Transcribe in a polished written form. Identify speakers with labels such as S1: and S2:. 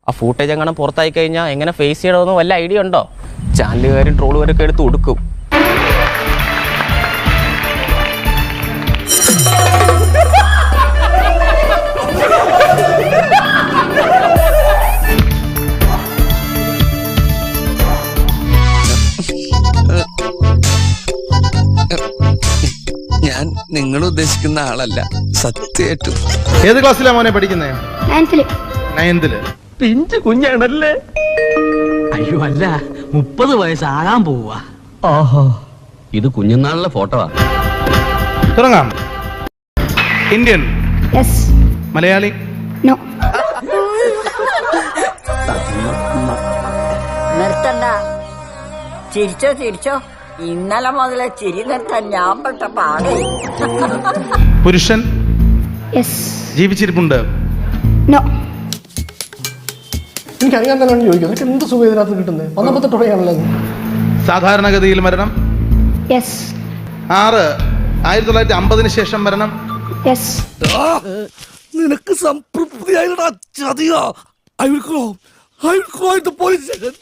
S1: ആ ഫൂട്ടേജ് എങ്ങനെ പുറത്തായി കഴിഞ്ഞാൽ എങ്ങനെ ഫേസ് ചെയ്യണമെന്ന് വല്ല ഐഡിയ ഉണ്ടോ? ചാനലുകാരും ട്രോളുകാരൊക്കെ എടുത്ത് കൊടുക്കും.
S2: ഞാൻ നിങ്ങൾ ഉദ്ദേശിക്കുന്ന ആളല്ല, സത്യമായിട്ടും.
S3: ഏത് ക്ലാസ്സിലാ മോനെ പഠിക്കുന്നേ? 9th.
S4: പിഞ്ചു കുഞ്ഞാണല്ലേ? അയ്യോ അല്ല, 30 വയസ്സാകാൻ പോവാ. ഓഹോ, ഇത് കുഞ്ഞുനാളിലെ ഫോട്ടോ.
S3: തുടങ്ങാം. ഇന്ത്യൻ?
S5: യെസ്.
S3: മലയാളി?
S5: നോ.
S6: നിർത്തണ്ട, ചിരിച്ചോ ചിരിച്ചോ. ഇന്നലെ മുതലേ ചിരി നിർത്താൻ ഞാൻ പെട്ട പാടേ.
S3: പുരുഷൻ?
S5: യെസ്.
S3: ജീവിച്ചിരിപ്പുണ്ട്?
S5: നോ.
S7: എനിക്കറിയാൻ തന്നെയാണ് ചോദിക്കുന്നത്. എന്ത് സുഖം ഇതിനകത്ത് കിട്ടുന്നത്? 19 തുടങ്ങിയാണല്ലോ.
S3: സാധാരണഗതിയിൽ മരണം?
S5: യെസ്.
S3: 6 1950 ശേഷം മരണം?
S5: യെസ്.
S2: നിനക്ക് സംതൃപ്തിയായിട്ടാ ചതിയോ? I will go to police station.